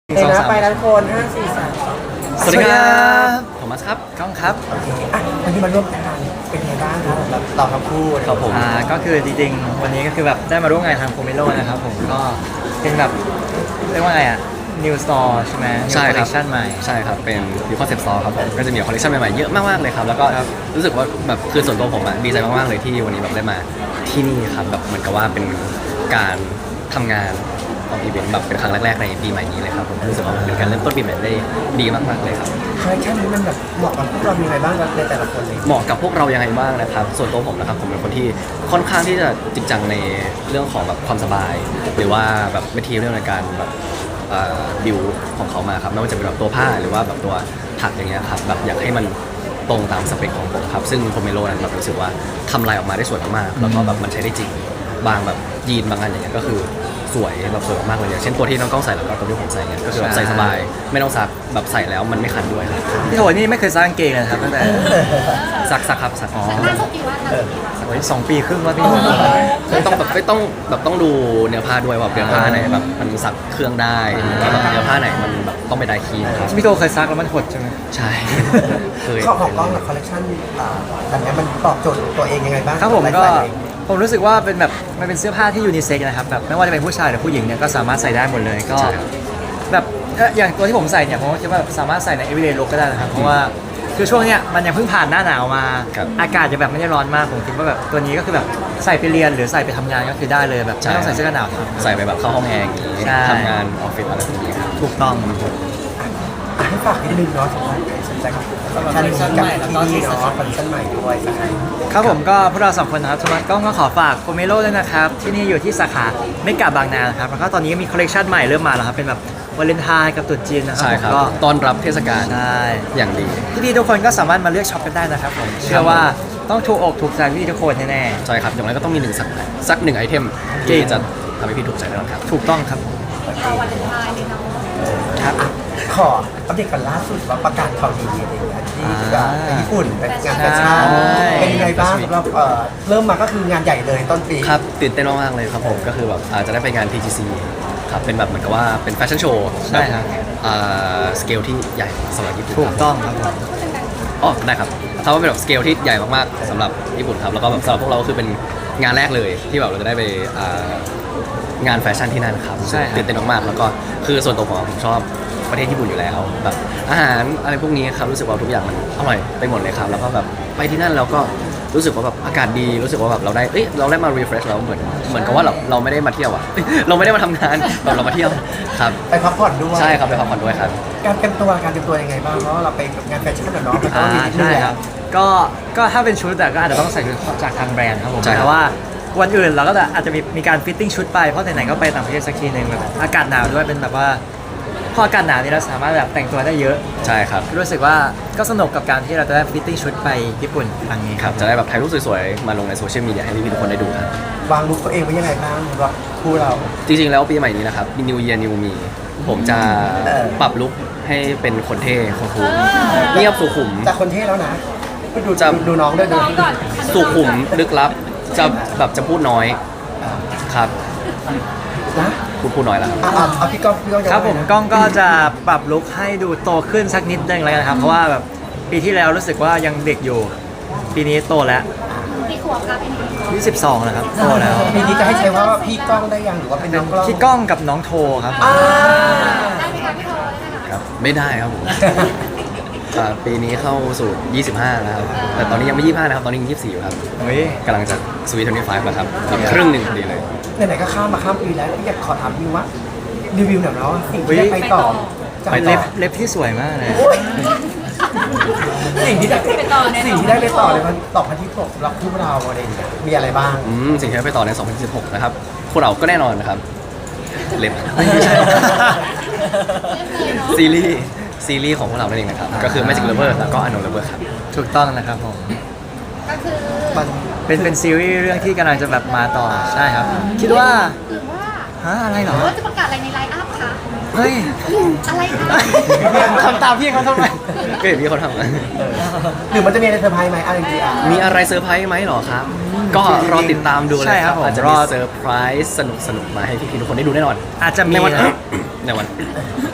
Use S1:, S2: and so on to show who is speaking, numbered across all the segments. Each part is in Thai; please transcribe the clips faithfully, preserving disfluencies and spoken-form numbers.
S1: เดี๋ยวนะไปแล้วทุกคนห้าสี่สาม
S2: สวัสดีครับโทมัสครับก้องครับ
S1: โอเคอ่ะวันนี้มาร่วมงานเป็นไงบ้างครับแบบเราทั้งคู่
S2: ครับผม
S3: อ่าก็คือจริงๆวันนี้ก็คือแบบได้มาร่วมงานทางโคเมโลนะครับผมก็เป็นแบบเรียกว่าไงอ่ะ New Store ใช่ไหม New
S2: ใช่ครับ
S3: Collection ใหม่
S2: ใช่ครับเป็น New Concept Store ครับผมก็จะมีคอลเลคชันใหม่ๆเยอะมากๆเลยครับแล้วก็รู้สึกว่าแบบคือส่วนตัวผมอะดีใจมากๆเลยที่วันนี้แบบได้มาที่นี่ครับแบบเหมือนกับว่าเป็นการทำงานของอีเวนต์แบบเป็นครั้งแรกๆในปีใหม่นี้เลยครับผมรู้สึกว่ามันเป็นการเริ่มต้นปีใหม่ได้ดีมากๆเลยครับ
S1: คอลเลคชันนี้มันแบบเหมาะกับพวกเรายังไงบ้างครับในแต่ละคนเลย
S2: เหมาะกับพวกเรายังไงบ้างนะครับส่วนตัวผมนะครับผมเป็นคนที่ค่อนข้างที่จะจริงจังในเรื่องของแบบความสบาย หรือว่าแบบวิธีเรื่องในการแบบบิวของเขามาครับไม่ว่าจะเป็นแบบตัวผ้าหรือว่าแบบตัวถักอย่างเงี้ยครับแบบอยากให้มันตรงตามสเปคของผมครับซึ่งโพเมโลนั้นแบบรู้สึกว่าทำลายออกมาได้สวยมากๆแล้วก็แบบมันใช้ได้จริงบางแบบยีนบางอันอย่างเงี้ยก็คือสวยแบบสวยมากๆเลยอย่างเช่นตัวที่น้องกล้องใส่แล้วก็ตัวที่ผมใส่เนี่ยก็คือแบบใส่สบายไม่ต้องซักแบบใส่แล้วมันไม่คันด้วยครับ
S3: พี่โถนี่ไม่เคยสร้างเกงเลยนะครับตั้งแต่
S2: ซักซักครับซักอ๋อ
S4: ล่าสุดกี่วันล่าสุดกี่วัน
S3: โอ้ยสองปีครึ่งแล้วพี่โถ
S2: ไม่ต้องแบบไม่ต้องแบบต้องดูเนื้อผ้าด้วยว่าเนื้อผ้าไหนแบบมันซักเครื่องได้แล้วแบบเนื้อผ้าไหนมันแบบต้องไปไดคีนะครับ
S3: พี่โถเคยซักแล้วมันหดใช่ไหม
S2: ใช่ เคย
S1: ข้อของกล้องกับคอลเลคชันอ่าแบบนี้มันตอบโจทย์ตัวเองยังไงบ้าง
S3: ครับผมก็
S1: ไลฟ์สไตล์
S3: ผมรู้สึกว่าเป็นแบบมันเป็นเสื้อผ้าที่ยูนิเซ็กนะครับแบบไม่ว่าจะเป็นผู้ชายหรือผู้หญิงเนี่ยก็สามารถใส่ได้หมดเลยก็
S2: ใช่ครับ
S3: แบบเอ่ออย่างตัวที่ผมใส่เนี่ยผมก็คิดว่าแบบสามารถใส่ใน everyday look ก็ได้นะครับเพราะว่าคือช่วงเนี้ยมันยังเพิ่งผ่านหน้าหนาวมา
S2: ครับ
S3: อากาศจะแบบไม่ได้ร้อนมากผมคิดว่าแบบตัวนี้ก็คือแบบใส่ไปเรียนหรือใส่ไปทำงานก็คือได้เลยแบบไม่ต้องใส่เสื้อกันหนาวครับ
S2: ใส่ไปแบบเข้าห้องแอร์อย่างนี้
S3: ใช่
S2: ทำงานออฟฟิศอะไรแบบนี้ครับ
S3: ถูกต้อง
S1: อ่ะให้ฝากนิดนึงเนาะสำหรับใครสนใจกับคอลเลคชันนี้กับที่นี่เนาะคอลเลคชันใหม่ด้วยสักครั้ง
S3: ครับผมก็พวกเราสองคนนะครับสมัครกล้องก็ขอฝากโคเมโลด้วยนะครับที่นี่อยู่ที่สาขาเมกะบางนานะครับแล้วก็ตอนนี้ก็มีคอลเลคชันใหม่เริ่มมาแล้วครับเป็นแบบวาเลนไทน์กับตรุษจีนนะครั
S2: ใช่ครับ
S3: ก็
S2: ต้อนรับเทศกาล
S3: ใช่
S2: อย่างดี
S3: พี่ๆทุกคนก็สามารถมาเลือกช็อปกันได้นะครับผมเชื่อว่าต้องถูกอกถูกใจพี่ๆทุกคนแน่
S2: ใช่ครับอย่างไรก็ต้องมีหนึ่งสักสักหนึ่งไอเทม
S3: จริ
S2: ที่
S3: ง
S2: จะทำให้พี่ถูกใจแน่นอนครับ
S3: ๆถูกต้องครับผม
S4: เราวันเลนไทน์เลยเนาะ
S3: ครับ
S1: ขออัปเดตกันล่าสุดว่าประกาศข่าวดีอะไรอย่างเงี้ยที่จะไปญี่ปุ่นไปงานแฟชั่น
S3: ใช่
S1: เป็นยังไงบ้างสำหรับเอ่อเริ่มมาก็คืองานใหญ่เลยต้นปี
S2: ครับตื่นเต้นมากๆเลยครับผมก็คือแบบอาจจะได้ไปงาน ที จี ซี ครับเป็นแบบเหมือนกับว่าเป็นแฟชั่นโชว์
S3: ใช่ครับ
S2: สเกลที่ใหญ่สำหรับญี่ปุ่น
S3: ถู
S2: ค
S3: ก
S2: รับ
S3: ต้องครับผม
S2: อ๋อได้ครับถ้าว่าเป็นแบบสเกลที่ใหญ่มากๆสำหรับญี่ปุ่นครับแล้วก็แบบสำหรับพวกเราก็คือเป็นงานแรกเลยที่แบบเราจะได้ไปอ่างานแฟชั่นที่นั่นครับ
S3: ใช่ครับ
S2: ตื่นเต้นมากๆแล้วก็คือส่วนตัวผมผมชอบประเทศญี่ปุ่นอยู่แล้วแบบอาหารอะไรพวกนี้ครับรู้สึกว่าทุกอย่างมันอร่อยไปหมดเลยครับแล้วก็แบบไปที่นั่นเราก็รู้สึกว่าแบบอากาศดีรู้สึกว่าแบบเราได้เอ้ยเราได้มา refresh เราเหมือนเหมือนกับว่าเราเราไม่ได้มาเที่ยวอะ เราไม่ได้มาทำงานแบบเรามาเที่ยวครับ
S1: ไปพักผ่อนด้วย
S2: ใช่ครับไปพักผ่อนด้วยครับ
S1: การเตรียมตัวการเตรียมตัวยังไงบ้างเพราะว่าเราไปงานแฟชั่นอะเนาะมันก็
S3: อ่า
S1: มีนิดนึง
S3: ใช่
S1: แหละ
S3: ครับก็ก็ถ้าเป็นชุดแต่ก็อาจจะต้องใส่ชุดจากทางแบรนด์ครับผม
S2: ใช่ครับ
S3: แต่ว่าวันอื่นเราก็จะอาจจะมีมีการฟิตติ้งชุดไปเพราะไหนๆก็ไปต่างประเทศสักทีหนึ่งแบบอากาศหนาวด้วยเป็นแบบว่าพออากาศหนาวนี่เราสามารถแบบแต่งตัวได้เยอะ
S2: ใช่ครับ
S3: รู้สึกว่าก็สนุกกับการที่เราจะได้ฟิตติ้งชุดไปญี่ปุ่นครั้งนี้
S2: ครับจะได้แบบถ่ายรูปสวยๆ มาลงในโซเชียลมีเดียให้พี่ๆทุกคนได้ดูครับ
S1: วางลุคตัวเองไว้ยังไงบ้างสำหรับคู่เรา
S2: จริงๆ แล้วปีใหม่นี้นะครับ New Year New Me ผมจะ
S1: เออ
S2: ปรับลุคให้เป็นคนเท่คนคูลเงียบสุขุม
S1: แต่คนเท่แล้วนะดู
S2: จะ
S1: ดูดูน้องด้วยดู
S4: น้องก่อน
S2: สุขุมลึกลับ จะแบบจะพูดน้อยครับ
S1: นะ
S2: พูดพูดน้อยแล้วครับ
S1: อ่ะอ่ะเอาพี่ก้องพี่ก้องจะ
S3: ครับผม
S1: ว่าไงนะ
S3: กล้องก็จะปรับลุคให้ดูโตขึ้นสักนิดนึงแล้วกันครับเพราะว่าแบบปีที่แล้วรู้สึกว่ายังเด็กอยู่ ปีนี้โตแล้ว
S4: กี่ขวบครับพี่นี่
S3: ยี่สิบสองแล้วครับโตแล้ว
S1: ปีนี้จะให้ใช้ว่าพี่ก้องได้ยังหรือว่าเป็นน้องกล้อง
S3: พี่ก้องกับน้องโทครับ
S1: อ่า
S4: ได้ไหมคะพี่โทได้ไหมคะ
S2: ครับ ไม่ได้ครับผมอ่าปีนี้เข้าสู่ยี่สิบห้าแล้วครับ แต่ตอนนี้ยังไม่ยี่สิบห้านะครับ ตอนนี้ยังยี่สิบสี่อยู่ครับ
S3: เฮ้ย
S2: กำลังจะสวีทเทนตี้ไฟฟ์แล้วครับอีกครึ่งหนึ่งพอดีเลย
S1: ไหนๆก็ข้ามมาข้ามปีแล้วพี่อยากขอถามพี่ว่ารีวิวหน่อยเนาะสิ่งที่ได้ไปต่อจาก
S2: ไปต่
S3: เล็
S2: อ
S3: บเล็บที่สวยมากเลย
S1: โอ้ยสิ่งที่ได้
S4: ไปต่อแน่นอน
S1: สิ่งที่ได้ไปต่อเลยมันต่อพันที่ตกสำหรับคู่เราอะไรอย่างเงี้ยมีอะไรบ้าง
S2: อืมสิ่งที่ได้ไปต่อใน สองพันสิบหก นะครับ พวกเราก็แน่นอนนะครับ เล็บ
S3: ไม่ใช่
S2: ซีรีส์ ซีรีส์ของพวกเรานั่นเองนะครับ ก็คือ Magic Lover แล้วก็ Unknown Lover ครับ
S3: ถูกต้องนะครับผม
S4: ก็คือ
S1: มัน
S3: เป็นเป็นซีรีส์เรื่องที่กำลังจะแบบมาต่อใช่ครับ คิดว่า
S4: หรือว่า
S3: ฮะอะไรเหรอ
S4: หรือว่าจะประกาศอะไรในไลน์อัพคะ
S3: เฮ้ย
S4: อะไรคะ
S3: ทำตามพี่เขาทำไม
S2: ก็เห็นพี่เขาทำนะ
S1: หรือมันจะมีอะไรเซอร์ไพรส์ไหมอะไรจริงๆอ่ะ
S2: มีอะไรเซอร์ไพรส์ไหมเหรอครับ ก็รอติดตามดูเลย
S3: ใช่ครับผม
S2: อาจจะ
S3: ร
S2: มี
S3: อ
S2: เซอร์ไพรส์สนุกสนุกๆมาให้พี่ๆทุกคนได้ดูแน่นอน
S3: อาจจะมี
S2: ในวัน
S3: นะครับ
S2: ในวัน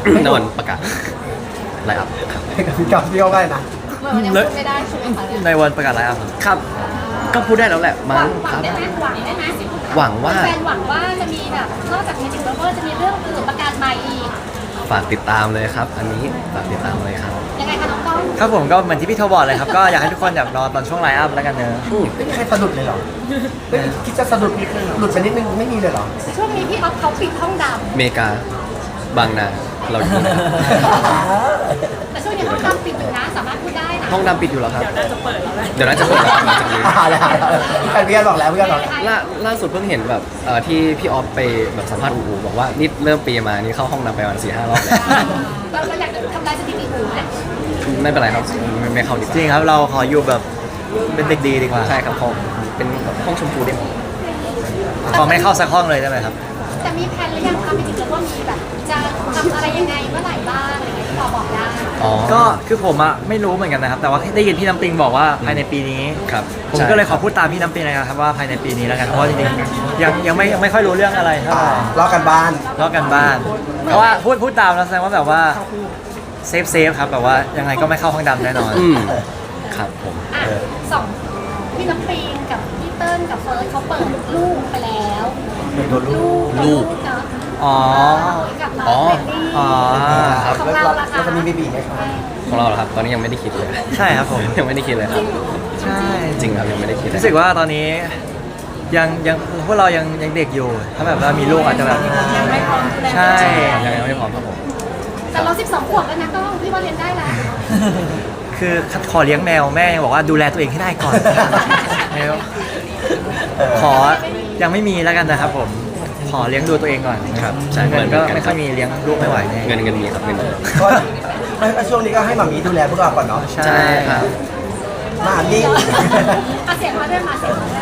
S2: ในวันประกาศไลน์อัพครับ
S1: กับพี่กับพี่เขาได้นะ
S4: เหมือนมันยังพูดไม่ได้ใช่ไหมคะ
S3: ในวันประกาศไลฟ์อัพครับ
S2: ครับ ก็พูดได้แล้วแหละ
S4: ห
S2: มั้
S4: วั
S2: ง
S4: งหวั
S2: ค
S4: ง
S2: รับ
S4: ได้ไหมหวังได้ไหม
S2: หวังว่า
S4: แฟนหวังว่าจะมีแบบนอกจาก Magic Lover จะมีเรื่องอื่นประกาศใหม่อีก
S2: ฝากติดตามเลยครับ อันนี้ฝากติดตามเลยครับ
S4: ยังไงคะน้องก้อง
S3: ครับผมก็เหมือนที่พี่โทบอกเลยครับ ก็อยากให้ทุกคนแบบรอตอนช่วงไลฟ์อัพแล้วกันเนอะ
S1: ไม่มีใครสะดุดเลยเหรอไม่มีคิดจะสะดุดหลุดไปนิดนึงไม่มีเลยเหรอ
S4: ช่วงนี้พี่ออฟเขาปิดห้องด
S2: เมกา บางนา เราอยู่นะครับ
S4: ำแต่ช่วงนี้ห้องดำปิดอยู่นะสามารถพูดได้นะ
S2: ห้องดำปิดอยู่แล้วครับ เดี๋ยวน่าจะเปิดแล้วเดี๋ยวน่าจะเปิดแล้วหลังจากนี้
S1: อ่าแล้วเพื่อนบอกแล้วเพื่อนบอกแล้ว
S2: ล่าล่าสุดเพิ่งเห็นแบบเอ่อที่พี่ออฟไปแบบสัมภาษณ์อูอูบอกว่านี่เริ่มปีมานี่เข้าห้องน้ำไปวันสี่ห้ารอบแล้ว
S4: เราเราอยากจะทำลายสถิติหูไหม
S2: ไม่เป็นไรครับไม่ไม่เข้าดีก
S3: จริง
S2: ว่า
S3: ครับเราขออยู่แบบเป็นเด็กดีดีกว่า
S2: ใช่ครับห้องเป็นห้องชมพูเด็ก
S3: ขอไม่เข้าสักห้องเลยได้ไหมครับ
S4: แต่มีแผนหรือยังคะไม่ถึงแล้วว่ามีแบบจะทำอะไรยังไงเมื่อไหร่บ้างอะไรอย่างเงี้ยที่เราบอกได้
S2: อ๋อ
S3: ก็คือผมอะไม่รู้เหมือนกันนะครับ แต่ว่าได้ยินพี่น้ำปิงบอกว่าภายในปีนี้
S2: ครับ
S3: ผมก็เลยขอพูดตามพี่น้ำปิงนะครับว่าภายในปีนี้แล้วกันเพราะว่าจริงๆยังยังไม่ยังไม่ค่อยรู้เรื่องอะไรเท่า
S1: อ่า
S3: ไหร่
S1: รอกันบ้าน
S3: ลอกกันบ้านเพราะว่าพูดพูดตามแล้วแสดงว่าแบบว่าเซฟเซฟครับแบบว่ายังไงก็ไม่เข้าห้องดำแน่นอน
S2: อืมครับผม
S4: อ่ะสองพี่น้ำปิงกับพี่เติ้ลกับเฟิร์สเขาเปิดลูกไปแล้ว
S1: เป็นตัวลูก
S4: ลูกเนาะ
S3: อ๋อ
S4: กับน้
S2: อ๋
S4: อง
S2: อ
S4: เบนนี่
S3: อ๋อ
S2: ครับ
S4: ของ
S1: แล้ว
S4: เรา
S1: เรา
S4: ล่ะคะ
S1: เราจะมีเบบีไหมครับ
S2: ของเราเหรอครับ ตอนนี้ยังไม่ได้คิดเลย
S3: ใช่ครับผม
S2: ยังไม่ได้คิดเลยครับ
S3: ใช่
S2: จริงครับยังไม่ได้คิดเลย
S3: รู้สึกว่าตอนนี้ยังยังพวกเรายังยังเด็กอยู่ ถ้าแบบว่ามีลูกอาจจะแบบ
S4: ยังไม่พร้อมดูแล
S3: ใช่
S2: ยังยังไม่พร้อมครับผม
S4: แต่เราสิบสองขวบแล้วนะก็พี่ว่าเรียนได้แล้ว
S3: คือขอเลี้ยงแมวแม่ยังบอกว่าดูแลตัวเองให้ได้ก่อนแมวขอยังไม่มีแล้วกันนะครับผมขอเลี้ยงดูตัวเองก่อน
S2: ครับใช่
S3: เงินก็
S2: เหมือนกัน
S3: ไม่ค่อยมีเลี้ยงลูกไม่ไหวแน่
S2: เงินเงินมีครับเงินมี
S1: ก็ไม่ช่วงนี้ก็ให้หมามีดูแลพวกเราก่อนเนาะ
S3: ใช่
S2: ครับ
S1: หมามี
S4: มาเสียงมาด้วยมาเสียงมาด้วย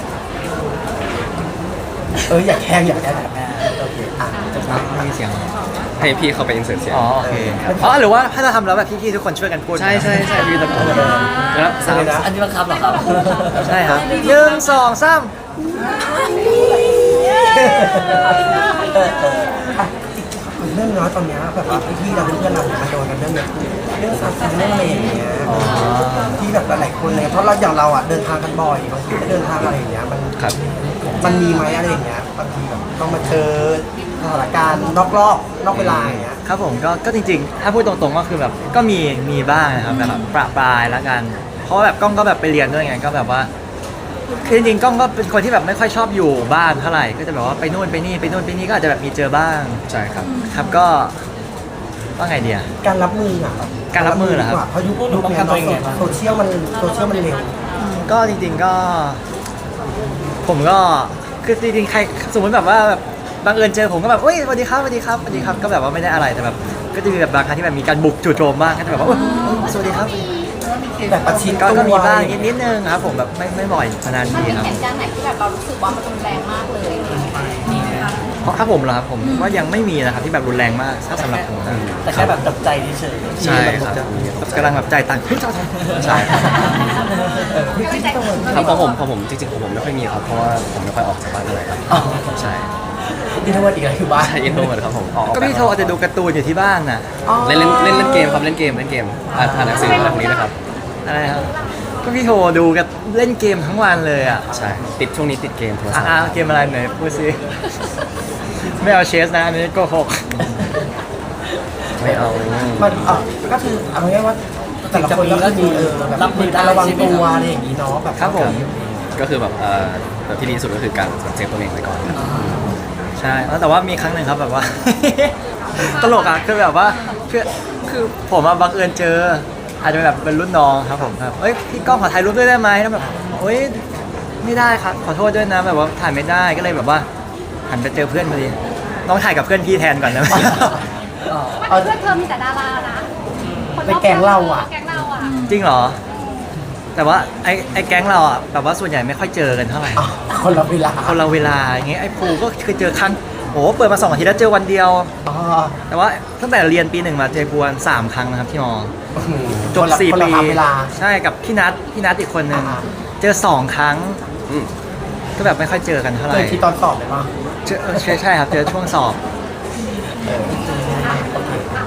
S1: เอออยากแข่งอยากแข่งโอเคอ่ะจะมา
S3: ไม่มีเสียง
S2: ให้พี่เข้าไปอินเสิร์ตเสียง
S3: อ๋อโอเคอ๋อหรือว่าถ้าเราทำแล้วแบบพี่ๆทุกคนช่วยกันพูด
S2: ใช่ใช่ใช่พี่ตะโกนแล้วสาม
S1: อันนี้บังคับเหรอครับ
S3: ใช่ครับหนึ่งสองสาม
S1: เรื่องน้อยตอนเนี้ยแบบว่าพี่ๆเราเพื่อนๆเราเนี่ยมันโดนกันเรื่องเนี้ยเรื่องสัตว์เรื่องอะไรอย่างเงี้ยที่แบบหลายๆคนเลยเพราะเราอย่างเราอ่ะเดินทางกันบ่อยบางทีก็เดินทางอะไรอย่างเงี้ยมัน
S2: ครับ
S1: มันมีไหมอะไรอย่างเงี้ยบางทีแบบต้องมาเจอสถานการณ์นอกรอบนอกเวลาอย่างเงี้ย
S3: ครับผมก็ก็จริงๆ ถ้าพูดตรงๆก็คือแบบก็มีมีบ้างนะครับแบบประปรายแล้วกัน เพราะว่าแบบกล้องก็แบบไปเรียนด้วยไงก็แบบว่าคือจริงๆกล้องก็เป็นคนที่แบบไม่ค่อยชอบอยู่บ้านเท่าไหร่ก็จะแบบว่าไปนู่นไปนี่ไปนู่นไปนี่ก็อาจจะแบบมีเจอบ้าง
S2: ใช่ครับ
S3: ครับก็ว่าไงเดีย
S1: การรับมืออ่ะ
S3: การรับมือเหรอครับ
S1: เพราะยุคยุคเนี้ยโซเชียลมันโซเชียลมันเร็ว
S3: ก็จริงๆก็ ผมก็คือจริงๆใครสมมติแบบว่าแบบบังเอิญเจอผมก็แบบเฮ้ยสวัสดีครับสวัสดีครับสวัสดีครับก็แบบว่าไม่ได้อะไรแต่แบบก็จะมีแบบบางครั้งที่แบบมีการบุกจู่โจมบ้างก็จะแบบว่าเอ้ยสวัสดีครับ
S1: แบบประชิด
S3: ก็
S1: ตัว
S3: ก็มีบ้างนิดนิดนึงครับผมแบบไม่ไม่บ่อยนาน
S4: มัน
S3: ที
S4: มี
S3: ครับ
S4: เหตุการณ์ไหนที่แบบเรารู้สึกว่ามันรุนแรงมากเลยมีไหมคะ
S3: เพราะถ้าผมเหรอครับผมว่ายังไม่มีนะครับที่แบบรุนแรงมากถ้าสำหรับผมนะ
S1: แต่แค่แบบตกใจเฉย
S2: ใช่ครับ
S3: กำลังแบบใจตังค์
S2: ใช่ครับ
S4: ไม่ใจ
S2: ครับของผมของผมจริงๆของผมไม่ค่อยมีครับเพราะว่าผมไม่ค่อยออกจากบ้านเท่าไหร่ครับใช่
S1: นี่ทั้งวันอีกอะไรคือบ้าน
S2: ใช่อินโทรเวิร์ดครับผมออก
S3: ก็พี่โทรอาจจะดูการ์ตูนอยู่ที่บ้านน่ะ
S2: เล่นเล่นเล่นเล่นเกมครับเล่นเกมเล่นเกมอ่านอ่านหนังสืออะไรพวกนี้นะครับ
S3: อะไรครับก็พี่โทรดูกับเล่นเกมทั้งวันเลยอ่ะ
S2: ใช่ติดช่วงนี้ติดเกมโทรศัพท์
S3: อ่าเกมอะไรหน่อยพูดสิไม่เอาเชสนะอันนี้โกหก
S2: ไม่เอา
S1: มันเออก็คือเอาง่ายๆว่าแต่ละคนก็มีเออแบบรับมือการระวังตัวอะไรอย่างนี้เนาะแบบ
S3: ครับผม
S2: ก็คือแบบเอ่อแบบที่ดีที่สุดก็คือการเซฟตัวเองไว้ก่อนครับ
S3: ใช่แล้วแต่ว่ามีครั้งหนึ่งครับแบบว่า ตลกอ่ะคือแบบว่าคือคือผมอะบังเอิญเจอ อาจจะแบบเป็นรุ่นน้องครับผมแบบเอ้ยพี่ก้องขอถ่ายรูปด้วยได้ไหมแล้วแบบเอ้ยไม่ได้ครับขอโทษด้วยนะแบบว่าถ่ายไม่ได้ก็เลยแบบว่าหันไปเจอเพื่อนพอดีน้องถ่ายกับเพื่อนพี่แทนก่อนนะ
S1: เอา
S4: เพื่อนเธอมีแต่ดารานะคนรอบ
S1: ในแก๊งเราอะ
S4: แก๊งเราอะ
S3: จริงเหรอ แต่ว่าไอ้ไอ้แก๊งเราอ่ะแบบว่าส่วนใหญ่ไม่ค่อยเจอกันเท่าไหร่
S1: คนละเวลา
S3: คนเราเวลาอย่างเงี้ยไอ้ภูก็เคยเจอครั้งโอ้เปิดมาสองอาทิตย์แล้วเจอวันเดียว
S1: อ๋อ
S3: แต่ว่าตั้งแต่เรียนปีหนึ่งมาเจอภูวันสามครั้งนะครับที่มอจบ
S1: คนละ
S3: สี่
S1: คน
S3: ปี
S1: ละเวลา
S3: ใช่กับพี่นัทพี่นัทอีกคนหนึ่ง
S1: อ่า
S3: เจอสองครั้ง
S2: อืม
S3: ก็แบบไม่ค่อยเจอกันเท่าไห
S1: เจ
S3: ร่
S1: อที่ตอนสอบเลยป่ะ
S3: เจอเออใช่ใช่ครับเจอช่วงสอบ
S1: เออ
S4: อ่ะ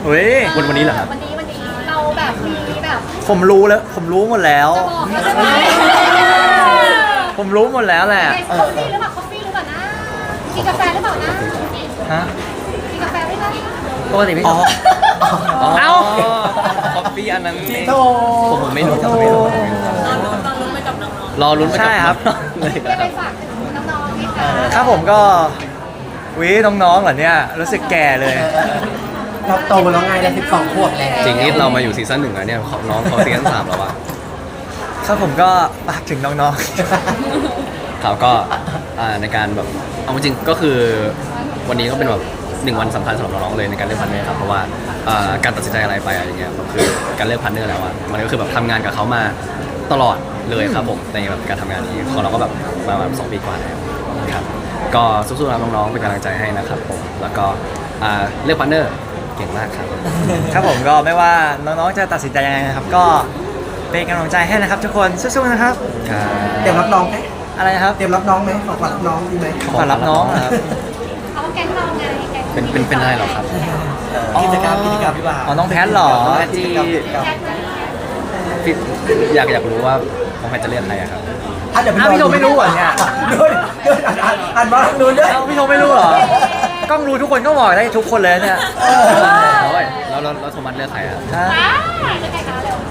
S3: เฮ้ย
S2: วันวันนี้เหรอครับ
S4: วันนี้วันนี้เราแบบมีแบบ
S3: ผมรู้แล้วผมรู้หมดแล้ว
S4: จะบอกให้ใช่ไหม
S3: ผมรู้หมดแล้วแหละ
S4: คอฟฟี่หรือเปล่าคอฟฟี่หรือเปล่านะกินกาแฟหรือเปล่านะ
S3: ฮะ
S4: กินกาแฟไหมคะ
S3: ปกติพี่
S1: อ๋อ
S3: เอ้า
S2: คอฟฟี่อันนั้นเอง
S1: โธ่
S2: ผมผมไม่รู้ผมไม่รู้รอลุ้นไปกับ
S3: ใช่ครับ
S2: เลย
S4: เรียกไปฝากถึงน้องๆไหมคะ
S3: ครับผมก็วิน้องๆเหรอเนี่ยรู้สึกแก่เลย
S1: เราโตแล้วไงเราสิบสองขวบแล้ว
S2: จริงนี่เรามาอยู่ซีซั่นหนึ่งแล้วเนี่ยเขาน้องเขาซีซั่นสามแล้วอะ
S3: ครับผมก็ฝากถึงน้อง
S2: เขาก็อ่าในการแบบเอาจริงๆก็คือวันนี้ก็เป็นแบบหนึ่งวันสำคัญสำหรับน้องๆเลยในการเลือกพันเนอร์ครับเพราะว่าอ่าการตัดสินใจอะไรไปอะไรเงี้ยมันคือการเลือกพันเนอร์แล้วอะมันก็คือแบบทำงานกับเขามาตลอดเลยครับผมในแบบการทำงานนี้ของเราก็แบบมาแบบสองปีกว่าแล้วครับก็สู้ๆนะน้องๆเป็นกำลังใจให้นะครับผมแล้วก็อ่าเลือกพันเนอร์เก่งมากครับ
S3: ๆ ครับผมก็ไม่ว่าน้องๆจะตัดสินใจยังไงนะครับ ก็เป็นกำลังใจให้นะครับ ทุกคนสู้ๆนะครับ
S1: เตรียมรับน้องไหม
S3: อะไรนะครับ
S1: เตรียมรับน้องไหมของขวัญรับน้องดีไหม
S3: ขอรับน้องนะครับ
S4: เขาแก๊งเราไงแก๊ง
S2: เป็นเป็นเป็นอะไรเหรอครับ
S1: กิจกรรมกิจกรรมพี่บ่าว
S3: อ๋อน้องแพทเหรอ
S1: กิจกรรมกิจกรรม
S4: แก๊งนะ
S2: พี่อยากอยากรู้ว่าน้องแพทจะเลือกใครอะครับ
S1: อ่ะเดี๋ยว
S3: อ้าวพี่โทไม่รู้เหรอเนี่ย
S1: ดูดิดูดิอ่านอ่านอ่านมาทางนู้นด้วย
S3: เอ้าพี่โทไม่รู้เหรอ กล้องรู้ทุกคนก็บอกได้ทุกคนเลยเนี่ย
S1: เออ
S2: โอ้ยแล้วแล้วแล้วโทมัสเลือกใครอะ
S3: ฮะ
S4: ว้ายเป็นไงคะเร็ว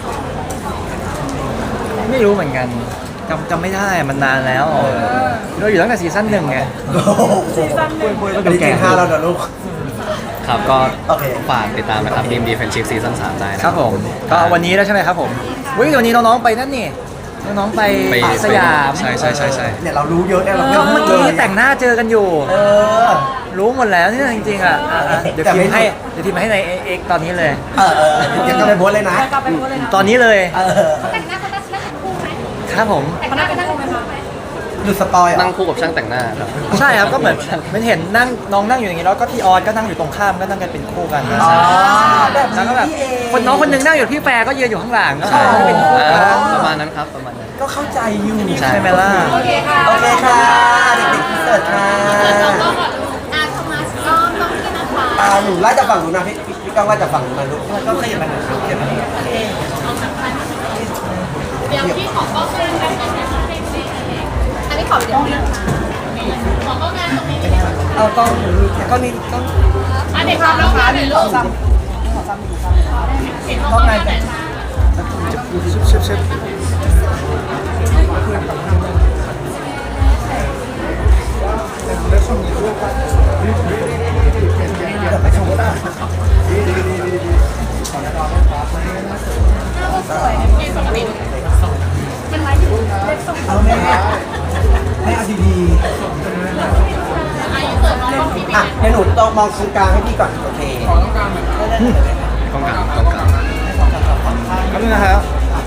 S3: ไม่รู้เหมือนกันจำจำไม่ได้มันนานแล้วเราอยู่ตั้งแต่ซีซั่นหนึ่งไง
S1: โอ้โหคุยคุยอันนี้เก่งห้าแล้วนะลูก
S2: ครับก็
S1: โอเค
S2: ฝากติดตามนะครับดีมดีแฟนชิพซีซั่นสามได้นะครับ
S3: ผมก็วันนี้แล้วใช่ไหมครับผมวิวันนี้น้องๆไปนั่นนี่น้องๆไป
S2: ไป
S3: สยาม
S2: ใช่ใช่ใช่ใช่
S1: เนี่ยเรารู้เยอะเนี่ยเรา
S3: ก็เมื่อกี้แต่งหน้าเจอกันอยู่
S1: เออ
S3: รู้หมดแล้วเนี่ยจริงๆอ่ะอ่ะอ่ะเดี๋ยว
S1: แต่
S3: พิ
S1: ไม่
S3: มพ์ให้เดี๋ยวพิมพ์ให้ในเอ็กตอนนี้เลย
S1: เออเออยังก็ไปโพสต์เลยนะ
S3: ตอนนี้เลย
S1: เออ
S4: เขาแต่งหน้าเขานั่งนั่งเป็นคู่ไหม
S3: ครับผม
S4: แต่งหน้าเป็นนั่งเป็นคู่ไหม
S1: ดูสปอยล์เหร
S2: นั่
S1: อ่ะ
S2: งคู่กับช่างแต่งหน้าครับ
S3: ใช่ครับก็เหมือนมันเห็นนั่งน้องนั่งอยู่อย่างนี้แล้วก็พี่ออสก็นั่งอยู่ตรงข้ามก็นั่งกันเป็นคู่กัน
S1: อ๋อแบบ
S3: แล้วก็แบบ
S1: นี้เอง
S3: คนน้องคนหนึงนั่งอยู่พี่แฟร์ก็ยืนอยู่ข้างหลังก็
S2: ใช่
S3: เป็นคู่
S2: อ่า
S3: กัน
S2: ประมาณนั้นครับประมาณนั้น
S1: ก็เข้าใจอยู่
S2: ใช่
S3: ใช่ไหมล่ะ
S4: โอเคค่ะ
S1: โอเคค่ะ เด็กๆพิเศษค่ะ
S4: อาโทมัสก็ต้องที่นะคะ
S1: อ่าหนูไล่จากฝั่งหนูนะพี่พี่พี่ก้องไล่จากฝั่งหนูนะลูกก็ขยับมาหน่อยครับขยับมาหน่อย
S4: เดี๋ยวพี่ขอก็เพื่อนกันนะคะอันนี้ขอเดี๋ยวพี่ขอก็งานตรงนี้
S1: เอากล้องหนูก็นี่กล้อง
S4: อันเด็กครับแล้วค่ะเดี๋ยวลูก
S1: กล้องไหนแบบ
S3: ชิบชิบ
S1: ไปชมก็ได้
S4: เป็นไรอยู่เล็กส่ง
S1: เอาแม่ให้เอาดีๆ
S4: อายุเกิดน้องต้องพี่
S1: อ่ะเดี๋ยวหนูต้องมองตรงกลางให้พี่ก่อนโอเค
S2: ต้องการต้องการ
S3: ครับนึงนะครับ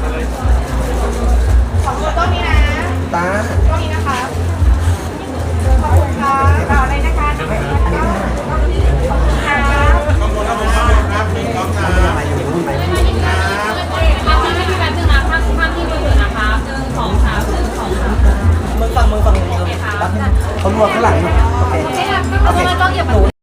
S4: ของตัวต้นนี้นะ
S1: ตา
S4: ต้นนี้นะคะขอบคุณค่ะต่อเลยนะคะขอบคุณค่ะขอบคุณค่ะ
S1: มาอยู่รุ่นไหม
S4: ภาพที่ไม่มีแบบนึงนะภาพภาพที่มือนะคะหนึ่งสองสามหนึ่งสองสาม
S1: มือฟังมือฟังมือเขารวมข้างหลังอยู่โอเค
S4: โอเคค่ะไม่เป็นไรก็อย่ามา